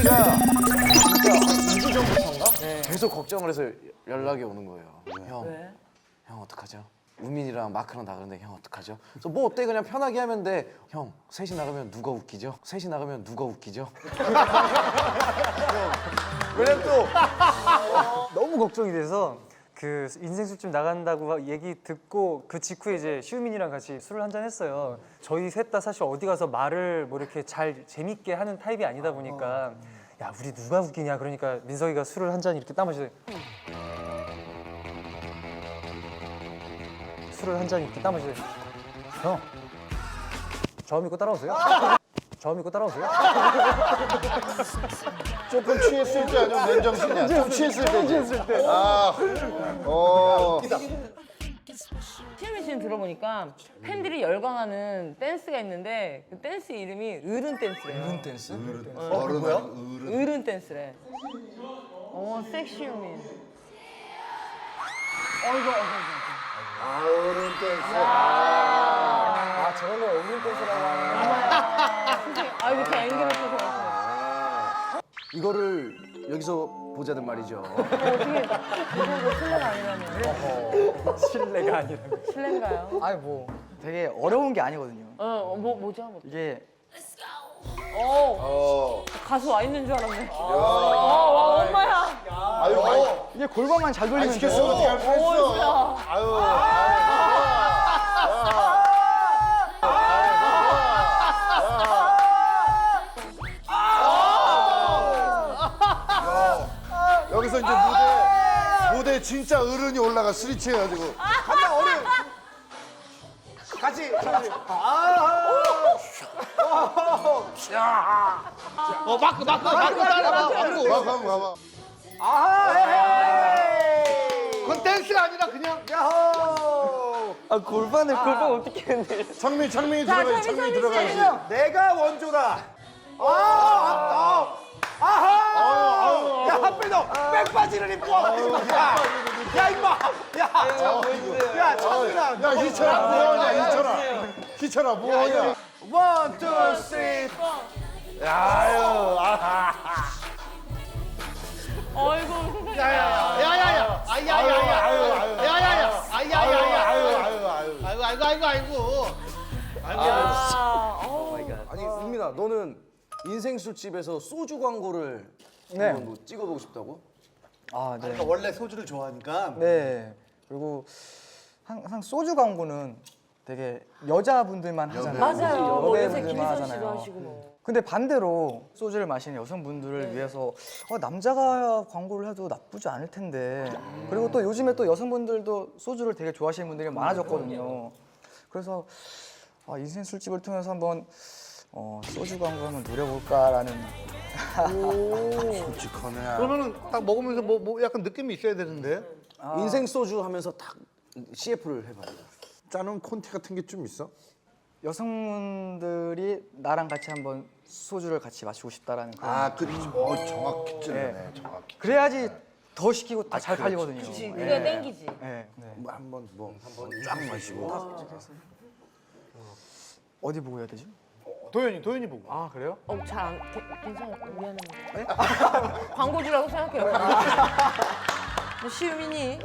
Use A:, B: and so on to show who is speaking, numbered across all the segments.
A: 제가 진짜 2주 전부터인가? 계속 걱정을 해서 연락이 오는 거예요.
B: 왜?
A: 형 어떡하죠? 우민이랑 마크랑 나가는데 형 어떡하죠? 그래서 뭐 어때 그냥 편하게 하면 돼. 형 셋이 나가면 누가 웃기죠? 셋이 나가면 누가 웃기죠?
C: 왜냐면 또
D: 너무 걱정이 돼서 그 인생 술집 나간다고 얘기 듣고 그 직후에 이제 시우민이랑 같이 술을 한잔 했어요. 저희 셋 다 사실 어디 가서 말을 뭐 이렇게 잘 재밌게 하는 타입이 아니다 보니까 야 우리 누가 웃기냐 그러니까 민석이가 술을 한 잔 이렇게 딱 마시더니 술을 한 잔 이렇게 딱 마시더니 형 저 믿고 따라오세요. 저 믿고 따라오세요.
C: 조금 취했을 때 아니면 맨정신이야. 좀 취했을 때지. 아,
B: 시우민 씨는 들어보니까 팬들이 열광하는 댄스가 있는데 그 댄스 이름이 어른 댄스래요. 어른 댄스?
C: 어른 뭐야?
B: 어른 댄스래. 섹시우민.
C: 어른 댄스.
D: 아 저런 걸 어른 댄스라고 하는
B: 아 이거 다 앵글을 써서
A: 이거를 여기서 보자는 말이죠.
B: 어떻게 그거 실례가 아니라면
D: 실례가 아니라고.
B: 실례인가요?
E: 아니 뭐 되게 어려운 게 아니거든요.
B: 뭐죠? 뭐.
E: 이게
B: 가수 와 있는 줄 알았네. 엄마야.
C: 아유, 많이
E: 이게 골반만 잘 돌리면
C: 시켰으면 어떻게 할 뻔했어. 아유. 여기서 이제 무대 진짜 어른이 올라가 스리치 해가지고
A: 한번 어른 같이.
F: 마크 따라봐.
C: 막 한번 가봐.
F: 그건 댄스가 아니라 그냥
D: 아 골반 어떻게 했는데?
C: 창민이 들어가야지. 창민이 들어가야지.
A: 내가 원조다. 야 한배너 백바지를 입고 와. 야 임마. 야 창민아.
C: 야 희철아 뭐하냐 희철아 뭐하냐.
A: 원, 투, 쓰리.
B: 어이구 세상에.
F: 야야야 아야야야 아이고
A: 아니 우민아 너는 인생 술집에서 소주 광고를 한번 뭐 찍어보고 싶다고?
E: 아 네.
F: 원래 소주를 좋아하니까
E: 네. 그리고 항상 소주 광고는 되게 여자분들만 하잖아요.
B: 맞아요. 뭐 요새
E: 여배우분들만
B: 김희선 씨도
E: 하잖아요.
B: 하시고 뭐.
E: 근데 반대로 소주를 마시는 여성분들을 위해서 남자가 광고를 해도 나쁘지 않을 텐데 그리고 또 요즘에 또 여성분들도 소주를 되게 좋아하시는 분들이 많아졌거든요. 그래서 인생 술집을 통해서 한번 소주 광고 한번 노려볼까라는.
C: 솔직하네.
F: 그러면은 딱 먹으면서 뭐 약간 느낌이 있어야 되는데
A: 인생 소주 하면서 딱 CF를 해봐.
C: 짜는 콘티 같은 게 좀 있어?
E: 여성분들이 나랑 같이 한번 소주를 같이 마시고 싶다라는 그런.
C: 아, 그렇지. 정확히 찔러네. 정확히.
E: 그래야지 더 시키고 다 잘 팔리거든요.
B: 그게 땡기지.
E: 네.
C: 한번 쫙 마시고.
E: 어디 보고 해야 되죠?
F: 도현이 보고
E: 아 그래요?
B: 잘안 괜찮아요. 미안합니다. 광고주라고 생각해요. 뭐 시우민이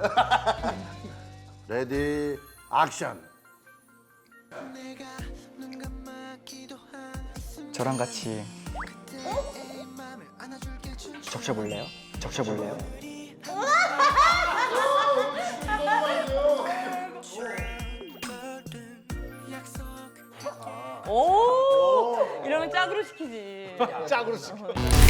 C: 레디 액션.
E: 저랑 같이 적셔볼래요? 적셔볼래요?
B: 오 이러면 짝으로 시키지.
F: 짝으로 시켜.